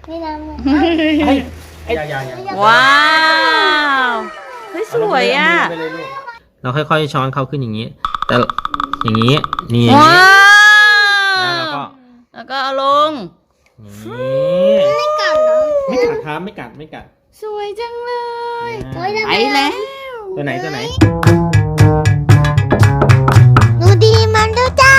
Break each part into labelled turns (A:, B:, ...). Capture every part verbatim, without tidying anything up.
A: ไม่น้ำเลย
B: เฮ้ยอย่าอย่าอย่า
C: ว้าวเฮ้ยสวยอ่ะ
B: เราค่อยๆช้อนเขาขึ้นอย่างนี้ แต่อย่างนี้นี่
C: ว้าว
B: แล้วก็
C: แล้วก็เอาลง
B: นี่
A: ไม่กัดเหรอ
B: ไม่กัดครับไม่กัดไม่กัด
C: สวยจังเลย
A: โอ้ย
C: ไปแล้ว
B: ตัวไหนตัวไหน
A: หนูดีมันดูจ้า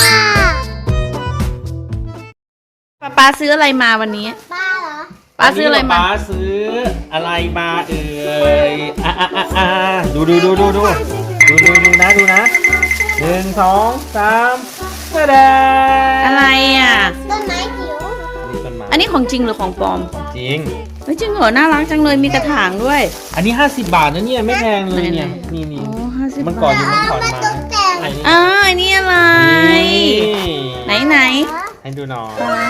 C: ป๊าป๊าซื้ออะไรมาวันนี้
A: ป้าเหรอ
C: ป๊าซื้ออะไรมา
B: ป้าซื้ออะไรมาเอ่ยอ่ะอ่ะอ่ะอ่ะดูดูดูดูดูดูดูดูนะดูนะหนึ่งสองสามแสดง
C: อะไรอ่ะ
A: ต้นไม้จิ๋ว
B: นี่ต้นไม้
C: อันนี้ของจริงหรือของปลอม
B: จริง
C: เฮ้ยจริงเหรอน่ารักจังเลยมีกระถางด้วย
B: อันนี้ห้าสิบบาทนะเนี่ยไม่แพงเลยเนี่ย
C: ไหน
B: นี่นี่
C: โอ้ห้าสิบ
B: มันก่อน
C: บาท
B: อยู่มันก่อน
A: มา
B: มา
A: ตกแต่ง
B: อันนี้
C: อ่าอันนี้อะไร ไหนไหน
B: ให้ดูหน่อย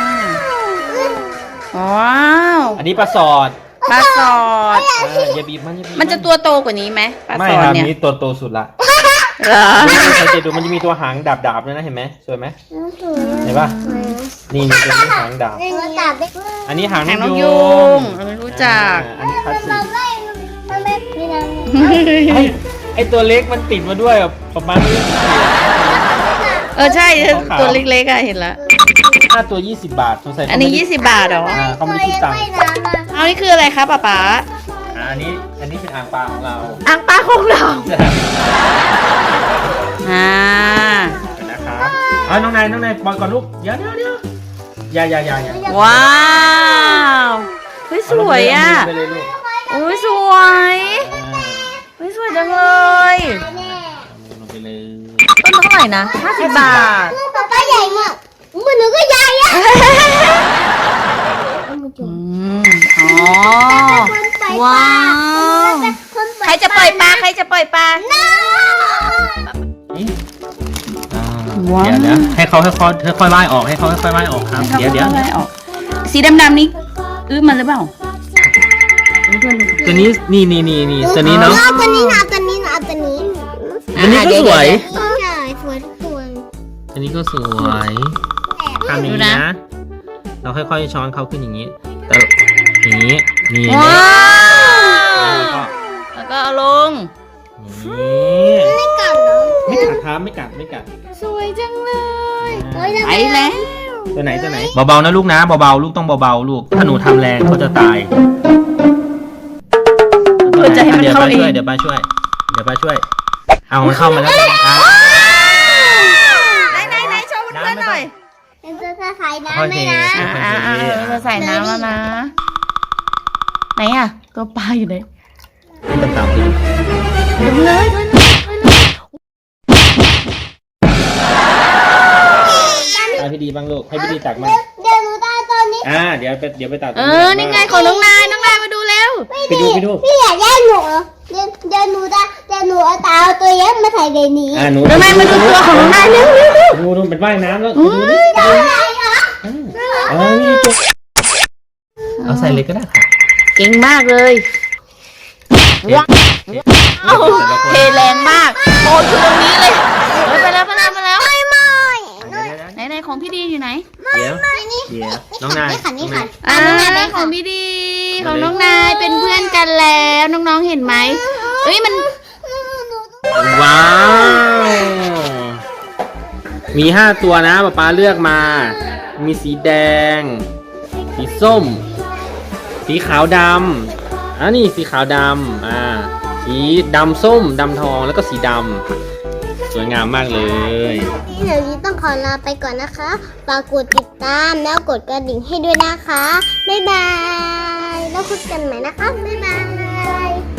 C: ว้าว
B: อันนี้ปลาสอด
C: ปลาสอด
B: อ่าอย่าบีบมันอย่าบีบ
C: มันจะตัวโตกว่านี้ไหมปลา
B: ไม่
C: สอ
B: ค
C: ด
B: รับ
C: เนี่ย
B: นี่ตัวโตสุดละ
C: เหรอ
B: นี่สังเกตดูมันจะมีตัวหางดาบๆด้วยนะเห็นไหมสวยไหมเห็นปะนี่นี่ตัวนี้หางดาบ
A: ตัวจับได้
B: อันนี้หาง
C: หางน
B: น
C: ก
B: ก
C: ยู
B: ยู
C: งเราไม่รู้จัก
B: อ่าอันนี้คลาสสิ
A: มัน
B: ก
A: ไม่มันไม่ไม่น้ำ
B: ไอ้ไอตัวเล็กมันติดมาด้วยอ่ะประมาณนี้
C: เออใช่ตัวเล็กๆอะเห็นแล้ว
B: ค่าตัวยี่สิบบาทสงสัย
C: อันนี้ยี่สิบบาทเหรอ
B: อ่าเขาไม่ได้คิดตังค์
C: เอานี่คืออะไรคะป๊าป๊า
B: อ่าอันนี้อันนี้เป็นอ่างปลาของเรา
C: อ่างปลาของเราอ่า
B: นะครับเอาน้องนายน้องนายปล่อยก่อนลูกเดี๋ยวเดี๋ยวเดี๋ยวอย่าอย่าอย่าอย่า
C: ว้าวเฮ้ยสวยอ่ะ
B: ไปเลยลูก
C: โอ้ยสวย
B: อ่า
C: เฮ้ยสวยจังเลย
B: ลงไปเลย
C: ต้นเท่าไหร่นะห้าสิบบาท
A: ป๊าป้าใหญ่มากมือหนูก็ใหญ่อะ
C: อืมอ๋อว้าวใครจะปล่อยปลาใครจะปล่อยปลา
B: นี่อ่า
C: ว้าว
B: เดี๋ยวเดี๋ยวให้เขาค่อยๆค่อยๆไล่ออกให้เขาค่อยๆไล่ออกครับเดี๋ยวเดี๋ยว
C: อาอะไรออกสีดำๆนี่อื้อมันหรือเปล่า
B: ตัวนี้นี่นี่นี่นี่ตัวนี้เนาะ
A: เอาตัวนี้นะเอาตัวนี้นะเอาตัวนี้
B: อันนี้ก็สวย
A: ใช่สวยทุกตัว
B: อันนี้ก็สวยทำอย่างนี้นะเราค่อยๆช้อนเขาขึ้นอย่างนี้แต่อย่างนี้นี่
C: ว้า
B: แล้วก็
C: แล้วก็เอาลง
B: นี่
A: ไม่กัดเหรอ
B: ไม่กัดครับไม่กัดไม่กัด
C: สวยจังเลย
A: โอ้ย
C: ไปแล้ว
B: ตัวไหนตัวไหนเบาๆนะลูกนะเบาๆลูกต้องเบาๆลูกถ้าหนูทำแรงเขาจะตาย
C: เพื่อจะให้มัน
B: เดี๋ยว
C: เข้า
B: ป้า
C: เอ
B: ช่วย
C: ง
B: เดี๋ยวป้าช่วยเดี๋ยวป้าช่วยเอามันเข้ามาแล้วอ่ะ
C: ไหนไหนไหนโชว์เพื่อนๆหน่อย
A: เป็นตัวใส่น้ำ
B: โอ
A: ไหม
B: เค
A: นะ
C: อ่าอ่าอ่าเราใส่น้ำแล้วนะ ไหนอ่ะตัวปลาอยู่ไหน
B: ต่างๆคือ
C: ดูเลยดูเลยดูเลย
B: ให้พี่ดีบ้างลูกให้พี่ดีตักมา
A: เดี๋ยวหนูตาตอนนี้
B: อ่าเดี๋ยวไปเดี๋ยวไปตัด
C: เออนี่ไงของน้องนายน้องนายมาดูเร็ว
B: ไปดูไปดู
A: พี่อยากแย่งหนูเหรอเดี๋ยวเดี๋ยวหนูตาเดี๋ยวหนูเอาตาเอาตัวเย็บมาใส่ในนี้
B: อ่าหนู
C: น้องนายมาดูตัวของน้องนายเร็วเร็วเร็ว
B: ดูดูเป็นว่ายน้ำแล้ว
C: อุ้
B: ดู
C: ย
B: ดิ
A: อะไรเหรอ
B: เออนี่ตัวเอาใส่เลยก็ได้ค่ะ
C: เก่งมากเลยว้าวเทแรงมากโอ้ยอยู่ตรงนี้เลยเฮ้ยไปแล้วไปแล้วไปแล้ว
A: ไม่ไม่
C: ไหนไหนของพี่ดีอยู่ไหน
B: เดี๋ยว
A: นี่
B: เดี๋ยวน้องนาย
A: นี่ค่ะนี่ค่ะ
C: อ่า
A: น้องนายเป็น
C: ข
A: ข
C: อ
A: อง ง
C: พี่ดีของน้องนายเป็นเพื่อนกันแล้วน้องๆเห็นไหมเอ้ยมัน
B: ว้าว มีห้าตัวนะป๊าป๊าเลือกมา มีสีแดง สีส้ม สีขาวดำอ่านี่สีขาวดำอ่า สีดำส้มดำทองแล้วก็สีดำสวยงามมากเลย
A: เดี๋ยวนี้ต้องขอลาไปก่อนนะคะฝากกดติดตามแล้วกดกระดิ่งให้ด้วยนะคะบ๊ายบายแล้วพบกันใหม่นะคะบ๊ายบาย